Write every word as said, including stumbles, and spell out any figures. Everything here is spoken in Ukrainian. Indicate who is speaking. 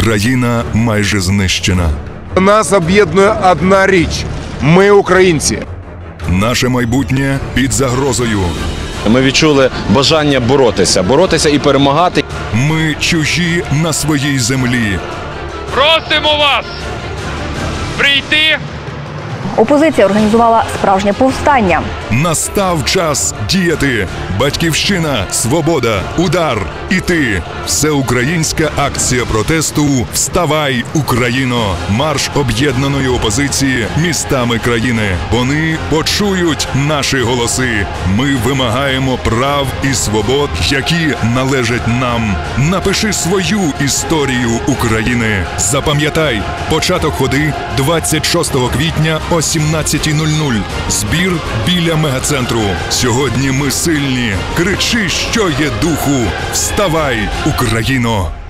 Speaker 1: Країна майже знищена.
Speaker 2: Нас об'єднує одна річ – ми українці.
Speaker 1: Наше майбутнє під загрозою.
Speaker 3: Ми відчули бажання боротися, боротися і перемагати.
Speaker 1: Ми чужі на своїй землі.
Speaker 4: Просимо вас прийти.
Speaker 5: Опозиція організувала справжнє повстання.
Speaker 1: Настав час діяти. Батьківщина, свобода, удар, іти. Всеукраїнська акція протесту «Вставай, Україно!» Марш об'єднаної опозиції містами країни. Вони почують наші голоси. Ми вимагаємо прав і свобод, які належать нам. Напиши свою історію України. Запам'ятай, початок ходи двадцять шостого квітня о сімнадцятій нуль нуль. Збір біля мегацентру. Сьогодні ми сильні. Кричи, що є духу. Вставай, Україно!